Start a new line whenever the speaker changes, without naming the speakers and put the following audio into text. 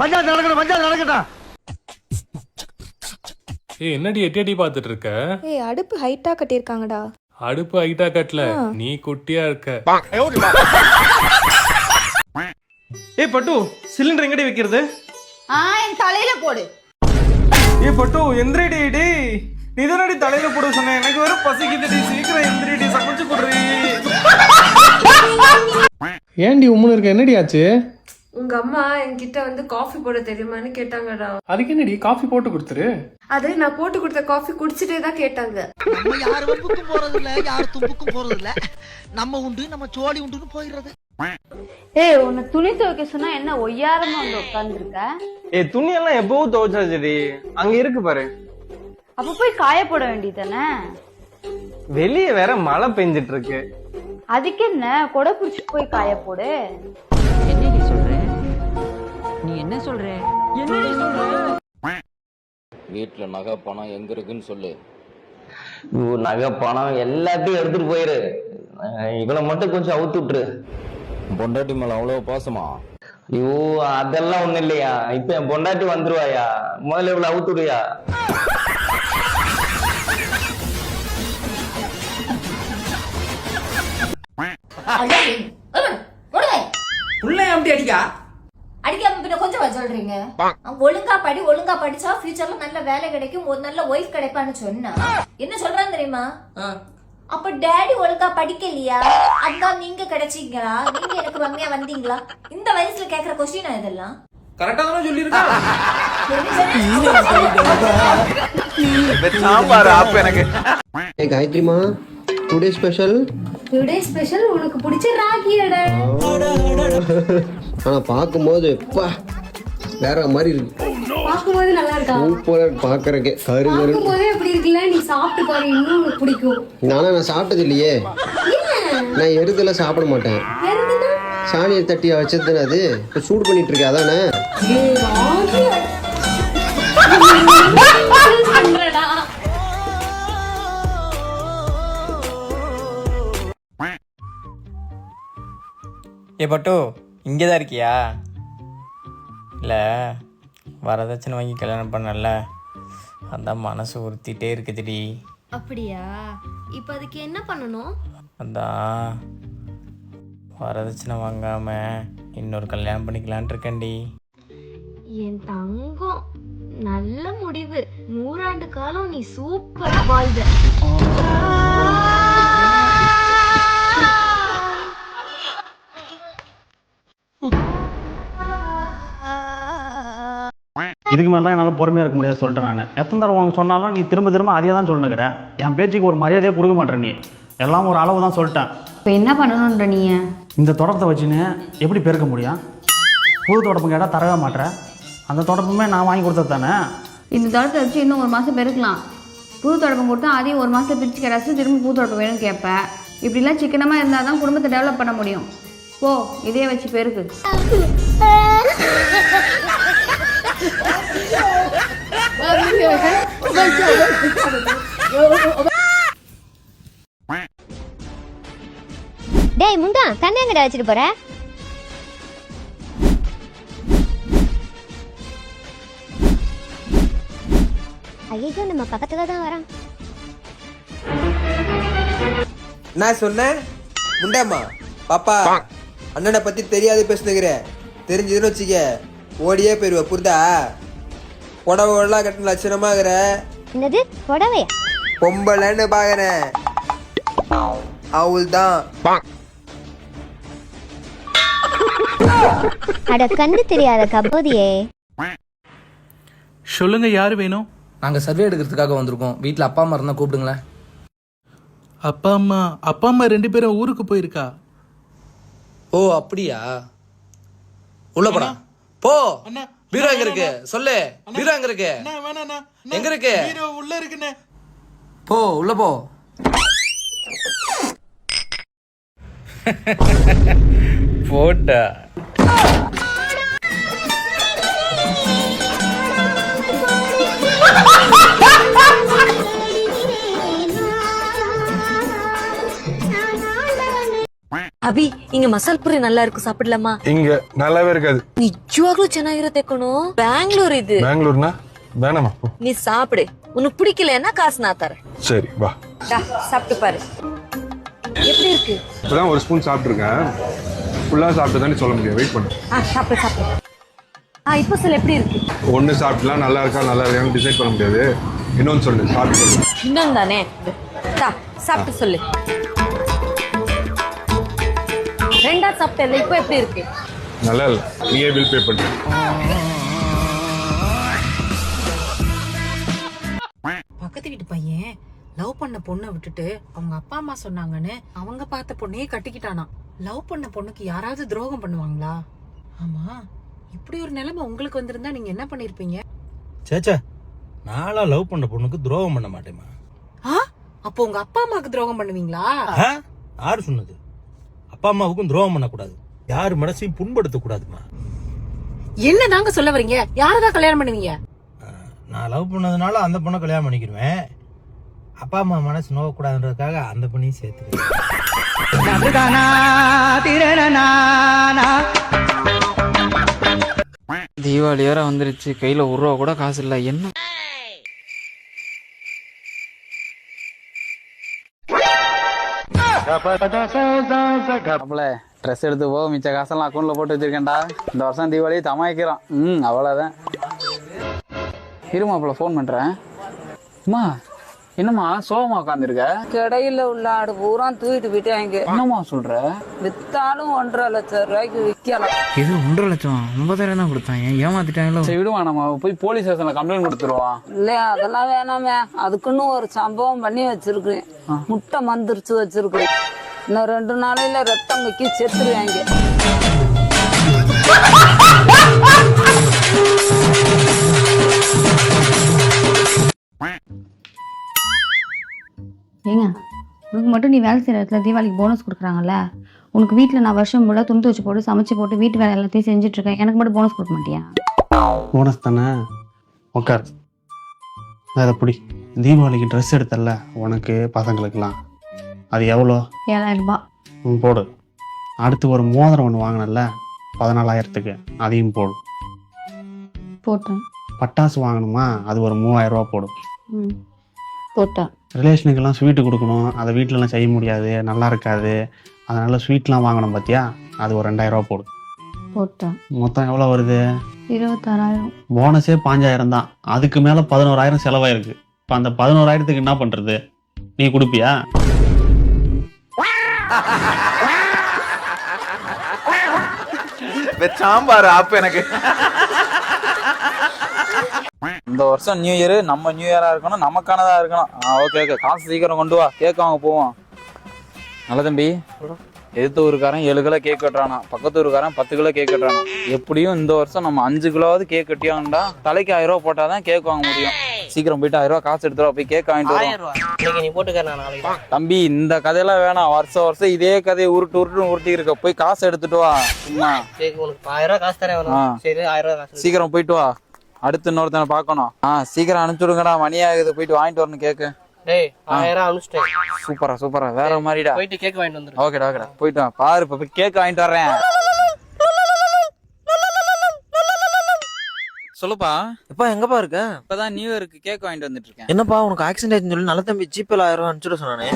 பஞ்சாயத்து நடக்கட்டும்.
ஏய் என்னடி எட்டி பாத்துட்டு இருக்க?
ஏய் அடுப்பு ஹைட்டா கட்டியிருக்காங்கடா.
அடுப்பு ஹைட்டா கட்டல, நீ குட்டியா இருக்க.
ஏய் பட்டு, சிலிண்டர் எங்கடி வைக்கிறது?
என் தலையில போடு.
ஏய் பட்டு, எந்திரடி டேய். நீ தானடி தலையில போட சொன்ன. எனக்கு வேற பசிக்குதுடி, சீக்கிரம் எந்திரடி, சமைச்சு போடுறீ.
ஏன்டி உம்முன்னு இருக்க? என்னடி ஆச்சு?
உங்க அம்மா என்கிட்ட வந்து காஃபி போட தெரியுமான்னு கேட்டாங்கடா.
அதுக்கு என்னடி காஃபி போட்டு கொடுத்துரு.
அது நான் போட்டு கொடுத்த காஃபி குடிச்சிட்டே தான் கேட்டாங்க.
நம்ம யார் வம்புக்கும் போறது இல்ல, யார் தும்புக்கும் போறது இல்ல. நம்ம உண்டு, நம்ம சோழி உண்டுன்னு போயிடுறது.
ஏய் உன்னை துணி துவைக்க சொன்னா என்ன ஒய்யாரமா வந்து உட்கார்ந்துருக்க?
ஏய் துணி எல்லாம் எப்பவும் துவைச்சாச்சுடி, அங்க இருக்கு பாரு.
அப்ப போய் காய போட வேண்டியதானே?
வெளியே வேற மழை பெஞ்சிட்டு இருக்கு.
அதுக்கு என்ன, கொடை புடிச்சு போய் காய போடு.
என்னடி சொல்ற? நீ என்ன சொல்ற? என்னடி சொல்ற?
வீட்டுல நகை பணம் எங்க இருக்குன்னு சொல்லு.
நகை பணம் எல்லாத்தையும் எடுத்துட்டு போயிரு. இவளை மட்டும் கொஞ்சம் அவுத்து விட்டுரு.
பொண்டாட்டி மேல அவ்வளவு பாசமா?
ஐயோ அதெல்லாம் ஒண்ணு இல்லையா. இப்ப என் பொண்டாட்டி வந்துருவாயா, முதல்ல இவளை அவுத்து விடுயா.
அடிக்காம பின்ன கொஞ்சம் சொல்றீங்க. ஒழுங்கா படி, ஒழுங்கா படிச்சா ஃபியூச்சர்ல நல்ல வேலை கிடைக்கும், ஒரு நல்ல ஒய்ஃப் கிடைப்பான்னு சொன்னா என்ன சொல்றான்னு தெரியுமா? அப்ப டேடி ஒழுங்கா படிக்கலையா, அதான் நீங்க கிடைச்சீங்களா, நீங்க எனக்கு ரம்யா வந்தீங்களா? இந்த வயசுல கேக்குற கொஸ்டினா இதெல்லாம்?
கரெக்டா தானே சொல்லிருக்கா?
காயத்ரிமா, டுடே ஸ்பெஷல்.
டுடே ஸ்பெஷல் உனக்கு பிடிச்ச ராகியடா.
ஆனா பாக்கும்போது எப்பா வேற மாதிரி இருக்கு.
பாக்கும்போது நல்லா இருக்கா?
சூப்பரா பாக்குறக்கே. கரு கரு
பாக்கும்போதே எப்படி இருக்குல்ல? நீ சாப்பிட்டு பாரு, இன்னும் உனக்கு பிடிக்கும்.
நான் சாப்பிட்டது இல்லையே. நான் எருதெல்லாம் சாப்பிட மாட்டேன். சாணியை தட்டி வச்சதுன்னு அது இப்ப சூடு பண்ணிட்டு இருக்கேன், அதானே?
ஏ பட்டு, இங்கேதான் இருக்கியா? இல்லை வரதட்சணை வாங்கி கல்யாணம் பண்ணல, அதான் மனசு உறுத்திட்டே இருக்குதுடி.
அப்படியா? இப்ப அதுக்கு என்ன பண்ணணும்?
அதான் வரதட்சணை வாங்காம இன்னொரு கல்யாணம் பண்ணிக்கலான் இருக்கேன்டி.
என் தங்கம், நல்ல முடிவு. 100 ஆண்டு காலம் நீ சூப்பரா வாழ்ந்த.
இதுக்கு மேலே தான் என்னால் பொறுமையாக இருக்க முடியாது சொல்லிட்டேன். நான் எத்தனை தடவை உனக்கு சொன்னாலும் நீ திரும்ப திரும்ப அதே தான் சொல்லுங்கிற. என் பேச்சுக்கு ஒரு மரியாதையே கொடுக்க மாட்டேன். நீ எல்லாம் ஒரு அளவு தான் சொல்லிட்டேன்.
இப்ப என்ன பண்ணணும்ன்ற நீ?
இந்த தொடப்பத்தை வச்சுன்னு எப்படி பெருக்க முடியும்? புது தொடப்பம் கேட்டால் தரவே மாட்டேன். அந்த தொடப்பமே நான் வாங்கி கொடுத்தது தானே.
இந்த தொடப்பத்தை வச்சு இன்னும் 1 மாசம் பெருக்கலாம். புது தொடப்பம் கொடுத்தா அதையும் 1 மாசத்துல பிரிச்சு கிடச்சி திரும்ப புது தொடப்பம் வேணும்னு கேட்பேன். இப்படிலாம் சிக்கனமாக இருந்தால் தான் குடும்பத்தை டெவலப் பண்ண முடியும். போ, இதே வச்சு பெருக்கு.
டேய் முண்டா, தண்ணி எங்கடா வச்சிட்டு போற? ஐயோ, நம்ம பக்கத்துல தான் வரோம்.
நான் சொன்னேன் முண்டாமா பாப்பா, அண்ணனை பத்தி தெரியாது பேசுனுங்கிற. தெரிஞ்சதுன்னு வச்சுக்க ஓடியே போயிருவ, புரிதா? புடவை கட்டின லட்சணமாகிற.
என்னது புடவையா?
பொம்பளைன்னு பாக்குறேன். அவள் தான்.
அட கண்டு தெரியாத கபோதியே.
சொல்லுங்க, யாரு வேணும்?
நாங்கள் சர்வே எடுக்கிறதுக்காக வந்திருக்கோம். வீட்டில் அப்பா அம்மா இருந்தால் கூப்பிடுங்களேன்.
அப்பா அம்மா 2 பேரும் ஊருக்கு போயிருக்கா.
ஓ அப்படியா? உள்ள போடா. போ. பீரோ எங்க இருக்கு சொல்லு. பீரோ எங்க இருக்கு? எங்க இருக்கு?
உள்ள இருக்குண்ணே.
போ உள்ள போ. போட்டா.
ಅಭಿ ಹಿಂಗೆ ಮಸಾಲ ಪುರಿ நல்லா இருக்கு சாப்பிடலாமா?
இங்க நல்லாவே இருக்காது.
ನಿಜವಾಗ್ಲೂ ಚೆನ್ನಾಗಿರುತ್ತೆ ಕಣೋ. ಬ್ಯಾಂಗ್ಳೂರ್ ಇದು.
பெங்களூர்னா வேணாமா?
நீ சாப்பிடு. உனக்கு பிடிக்கலன்னா காசு நான் தரேன்.
சரி வா.
சாப்பிட்டு பாரு. எப்படி இருக்கு?
இப்பதான் ஒரு ஸ்பூன் சாப்பிட்டுருக்கேன். ஃபுல்லா சாப்பிட்டு சொல்ல முடியும். வெயிட் பண்ணு.
சாப்பிடு சாப்பிடு. இப்போ சொல்ல எப்படி இருக்கு?
ஒன்னு சாப்பிட்டுலாம் நல்லா இருக்கா நல்லா இருக்கான்னு டிசைட் பண்ண முடியாது. இன்னொன்னு சொல்லு சாப்பிட்டு.
இன்னொன்னு தானே. சாப்பிட்டு சொல்லு. ரெண்டா சாப்பிட்டேன். இப்போ எப்படி இருக்கு?
நல்லா இல்ல. நீயே பில் பே பண்ணு.
பக்கத்து வீட்டு பையன் லவ் பண்ண பொண்ணை விட்டுட்டு அவங்க அப்பா அம்மா சொன்னாங்கன்னு அவங்க பார்த்த பொண்ணையே கட்டிக்கிட்டானா. லவ் பண்ண பொண்ணுக்கு யாராவது துரோகம் பண்ணுவாங்களா? ஆமா, இப்படி ஒரு நிலைமை உங்களுக்கு வந்திருந்தா நீங்க என்ன பண்ணிருப்பீங்க?
சேச்சா, நாளா லவ் பண்ண பொண்ணுக்கு துரோகம் பண்ண மாட்டேமா.
அப்போ உங்க அப்பா அம்மாவுக்கு துரோகம் பண்ணுவீங்களா?
யாரு சொன்னது? அப்பா அம்மாவுக்கும் துரோகம் பண்ணக்கூடாது, யாரு மனசையும் புண்படுத்த கூடாதுமா.
என்ன தாங்க சொல்ல வரீங்க? யாரதான் கல்யாணம் பண்ணுவீங்க?
நான் லவ் பண்ணதுனால அந்த பொண்ணை கல்யாணம் பண்ணிக்கிடுவேன். அப்பா அம்மா மனசு நோவக்கூடாதுன்றதுக்காக அந்த பொண்ணையும் சேர்த்துக்கிறேன்.
தீபாவளி வேற வந்துருச்சு, கையில ஒரு ரூபா கூட காசு இல்ல. என்ன ட்ரெஸ் எடுத்து போக மிச்ச காசெல்லாம் அக்கௌண்ட்ல போட்டு வச்சிருக்கேன்டா. இந்த வருஷம் தீபாவளி தமாய்க்கிறோம். அவ்வளவுதான். இருமாப்பிள்ள ஃபோன் பண்றேன். அம்மா என்னம்மா சோகமா உட்காந்துருக்க?
கடையில உள்ள ஆடு பூரா தூக்கிட்டு போயிட்டாங்க.
என்னம்மா சொல்ற?
வித்தாலும் 1.5 லட்சம் ரூபாய்க்கு விற்கலாம்.
இது 1.5 லட்சம் 50,000 தான் கொடுத்தாங்க. ஏமாத்திட்டாங்களோ. சரி விடுவா, நம்ம போய் போலீஸ் ஸ்டேஷன்ல கம்ப்ளைண்ட் கொடுத்துருவோம்.
இல்லையா, அதெல்லாம் வேணாமே. அதுக்குன்னு ஒரு சம்பவம் பண்ணி வச்சிருக்கேன். முட்டை மந்திரிச்சு வச்சிருக்கேன். இன்னும் 2 நாளையில ரத்தம் வைக்கி செத்துருவாங்க.
ஏங்க, உனக்கு மட்டும் நீ வேலை செய்கிற இடத்துல தீபாவளிக்கு போனஸ் கொடுக்குறாங்கல்ல, உனக்கு வீட்டில் நான் வருஷம் ஃபுல்லாக துணி வச்சு போட்டு சமைச்சு போட்டு வீட்டு வேலை எல்லாத்தையும் செஞ்சுட்ருக்கேன். எனக்கு மட்டும் போனஸ் கொடுக்க மாட்டியா?
போனஸ் தானே, உட்கார். அதை பிடி. தீபாவளிக்கு ட்ரெஸ் எடுத்தல உனக்கு பசங்களுக்கெல்லாம், அது எவ்வளோ?
7,000 ரூபாய்.
போடு. அடுத்து ஒரு மோதிரம் ஒன்று வாங்கினல 14,000க்கு, அதையும் போடு.
போட்டேன்.
பட்டாசு வாங்கணுமா, அது ஒரு 3,000 ரூபா போடும்.
போட்டேன்.
ரிலேஷனுக்கெல்லாம் ஸ்வீட்டு கொடுக்கணும், அதை வீட்டிலலாம் செய்ய முடியாது, நல்லா இருக்காது, அதனால் ஸ்வீட்லாம் வாங்கணும் பார்த்தியா, அது ஒரு 2,000 ரூபா போடு.
போட்டேன்.
மொத்தம் எவ்வளோ வருது?
26,000.
போனஸே 5,000 தான். அதுக்கு மேலே 11,000 செலவாயிருக்கு. இப்போ அந்த 11,000த்துக்கு என்ன பண்ணுறது? நீ கொடுப்பியா?
சாம்பார் ஆப் எனக்கு. இந்த வருஷம் நியூ இயர் நம்ம நியூ இயரா இருக்கணும், நமக்கானதா இருக்கணும். ஓகே ஓகே, காசு சீக்கிரம் கொண்டு வா, கேக் வாங்க போவோம். நல்ல தம்பி, எதிர்த்த ஊருக்காரன் 7 கிலோ கேக் கட்டுறானா, பக்கத்து ஊருக்காரன் 10 கிலோ கேக் கட்டுறானா. எப்படியும் இந்த வருஷம் நம்ம 5 கிலோவாவது கேக் கட்டியாங்கடா. தலைக்கு 1000 ரூபா போட்டாதான் கேக் வாங்க முடியும். சீக்கிரம் போயிட்டு 1000 ரூபா காசு எடுத்துருவா, போய் கேக் வாங்கிட்டு வரோம். தம்பி, இந்த கதையெல்லாம் வேணாம். வருஷம் வருஷம் இதே கதையை உருட்டி இருக்க. போய் காசு எடுத்துட்டு வா. சும்மா
1000 காசு தரேன்.
சீக்கிரம் போயிட்டு வா. அடுத்து இன்னொருத்தனை பார்க்கணும். சீக்கிரம் அனுப்பிச்சுடுங்கடா, மணி ஆகுது. போயிட்டு வாங்கிட்டு வரணும் கேக்கு. சூப்பரா சூப்பரா, வேற மாதிரிடா.
போயிட்டு கேக் வாங்கிட்டு வந்துரு.
ஓகேடா ஓகேடா, போயிட்டு வா. பாரு, இப்ப போய் கேக் வாங்கிட்டு வர்றேன். சொல்லுப்பா.
எப்பா எங்கப்பா இருக்க?
இப்பதான் நியூ இயருக்கு கேக் வாங்கிட்டு வந்துட்டு இருக்கேன்.
என்னப்பா உனக்கு ஆக்சிடென்ட் ஆயிடுச்சுன்னு சொல்லி நல்ல தம்பி ஜிபேல 1000 ரூபா அனுப்பிச்சுட சொன்னானே.